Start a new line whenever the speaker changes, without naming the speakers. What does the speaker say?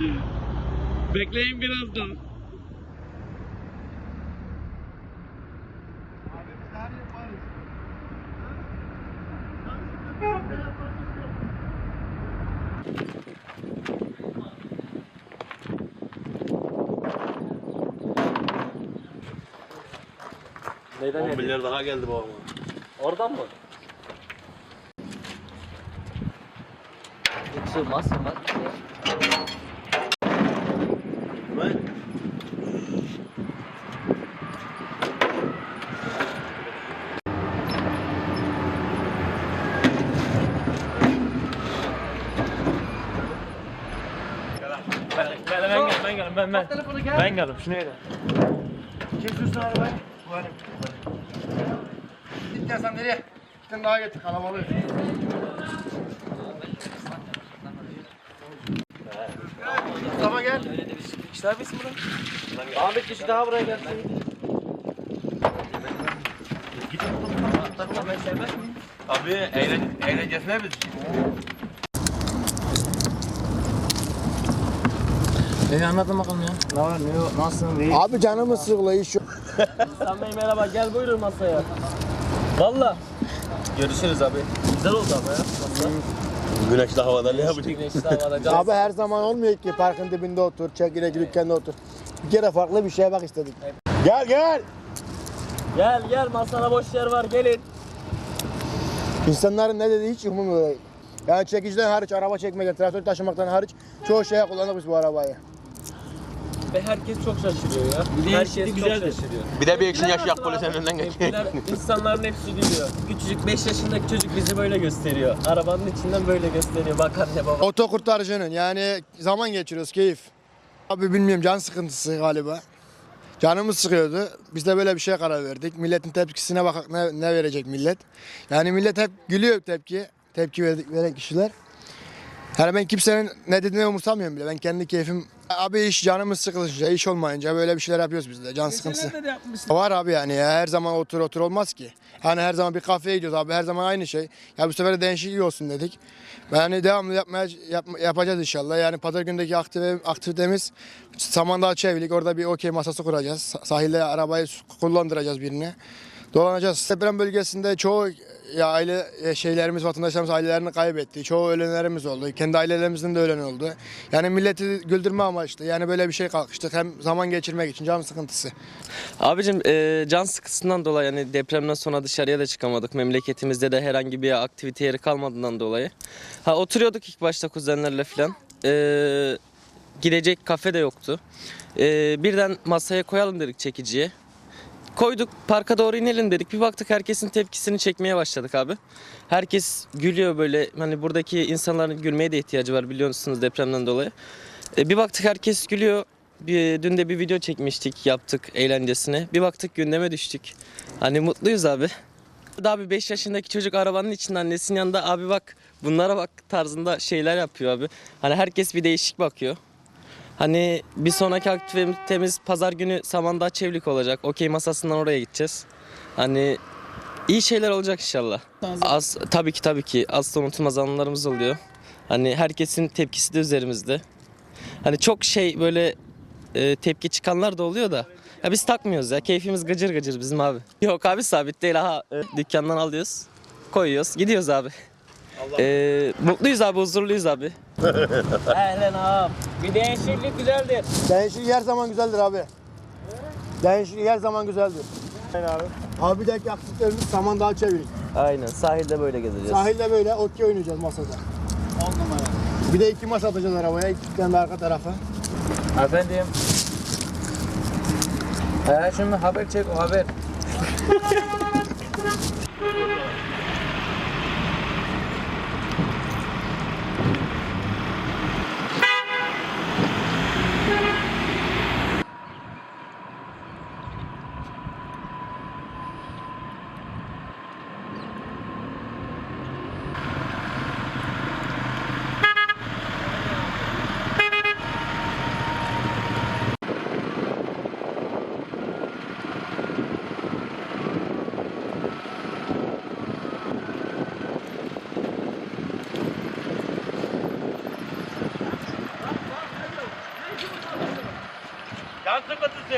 Bekleyin biraz daha.
Neyden
10 milyar daha geldi babama.
Oradan mı? Sığmaz.
Ben
Ben geldim. Şunu yedim.
Kim sürsün arabayı? Bu benim. Git gel sen nereye? Bir tane daha getir kalabalık. Mustafa gel.
İşler bitsin buradan. Ahmet kişi daha buraya gelsin.
abi eğlencesine biz.
Anlatın bakalım ya. Ne var ne yok nasılsın değil.
Abi canımız sıkılıyor iş yok.
İhsan Bey merhaba gel buyurun masaya. Valla. Görüşürüz abi. Güzel oldu ama ya. Masa.
Güneşli havada ne yapacak?
Güneşli havada.
Abi her zaman olmuyor ki parkın dibinde otur, çekirdek dükkanda otur. Bir kere farklı bir şeye bak istedik. Gel gel.
Gel masana boş yer var gelin.
İnsanların ne dediği hiç umurumda değil. Yani çekiciden hariç, araba çekmekten, traktör taşımaktan hariç çoğu şeye kullandık biz bu arabayı.
Ve herkes çok şaşırıyor ya. Herkes çok şaşırıyor.
Bir de bir ekşin yaş yak polisin önünden geçiyor.
İnsanların hepsi gülüyor. Küçücük 5 yaşındaki çocuk bizi böyle gösteriyor. Arabanın içinden böyle gösteriyor. Bak anne baba.
Oto kurtarıcının yani zaman geçiriyoruz, keyif. Abi bilmiyorum can sıkıntısı galiba. Canımız sıkıyordu. Biz de böyle bir şeye karar verdik. Milletin tepkisine bak ne verecek millet. Yani millet hep gülüyor tepki veren kişiler. Yani ben kimsenin ne dediğini umursamıyorum bile. Ben kendi keyfim. Abi iş canımız sıkılınca, iş olmayınca böyle bir şeyler yapıyoruz biz de. Can sıkıntısı. Var abi yani ya her zaman otur olmaz ki. Hani her zaman bir kafeye gidiyoruz abi her zaman aynı şey. Ya bu sefer de değişiklik olsun dedik. Yani devamlı yapacağız inşallah. Yani pazar gündeki aktivitemiz Samandağ Çevlik. Orada bir okey masası kuracağız. Sahilde arabayı kullandıracağız birine. Dolanacağız. Deprem bölgesinde çoğu aile şeylerimiz, vatandaşlarımız ailelerini kaybetti. Çoğu ölenlerimiz oldu. Kendi ailelerimizin de ölen oldu. Yani milleti güldürme amaçlı. Yani böyle bir şey kalkıştık. Hem zaman geçirmek için can sıkıntısı.
Abicim can sıkıntısından dolayı yani depremden sonra dışarıya da çıkamadık. Memleketimizde de herhangi bir aktivite yeri kalmadığından dolayı. Oturuyorduk ilk başta kuzenlerle falan. Gidecek kafe de yoktu. Birden masaya koyalım dedik çekiciye. Koyduk parka doğru inelim dedik. Bir baktık herkesin tepkisini çekmeye başladık abi. Herkes gülüyor böyle. Hani buradaki insanların gülmeye de ihtiyacı var biliyorsunuz depremden dolayı. Bir baktık herkes gülüyor. Dün de bir video çekmiştik yaptık eğlencesine. Bir baktık gündeme düştük. Hani mutluyuz abi. Daha bir 5 yaşındaki çocuk arabanın içinde annesinin yanında abi bak bunlara bak tarzında şeyler yapıyor abi. Hani herkes bir değişik bakıyor. Hani bir sonraki aktivitemiz pazar günü Samandağ Çevlik olacak. Okey masasından oraya gideceğiz. Hani iyi şeyler olacak inşallah. Tabii ki asla unutulmaz anılarımız oluyor. Hani herkesin tepkisi de üzerimizde. Hani çok şey böyle tepki çıkanlar da oluyor da. Ya biz takmıyoruz ya. Keyfimiz gıcır gıcır bizim abi. Yok abi sabit değil. Dükkandan alıyoruz. Koyuyoruz. Gidiyoruz abi. Mutluyuz abi, huzurluyuz abi. Ehlen abi. Bir değişiklik güzeldir.
Değişiklik her zaman güzeldir abi. Değişiklik her zaman güzeldir. Aynen abi. Abi bir dahaki aktivitelerimiz Samandağ Çevik.
Aynen sahilde böyle gezeceğiz.
Sahilde böyle okey oynayacağız masada. 10 numara. Bir de 2 masa atacağız arabaya. 2 tane de arka tarafa.
Efendim. Şimdi haber çek o haber.
sıkıntısı.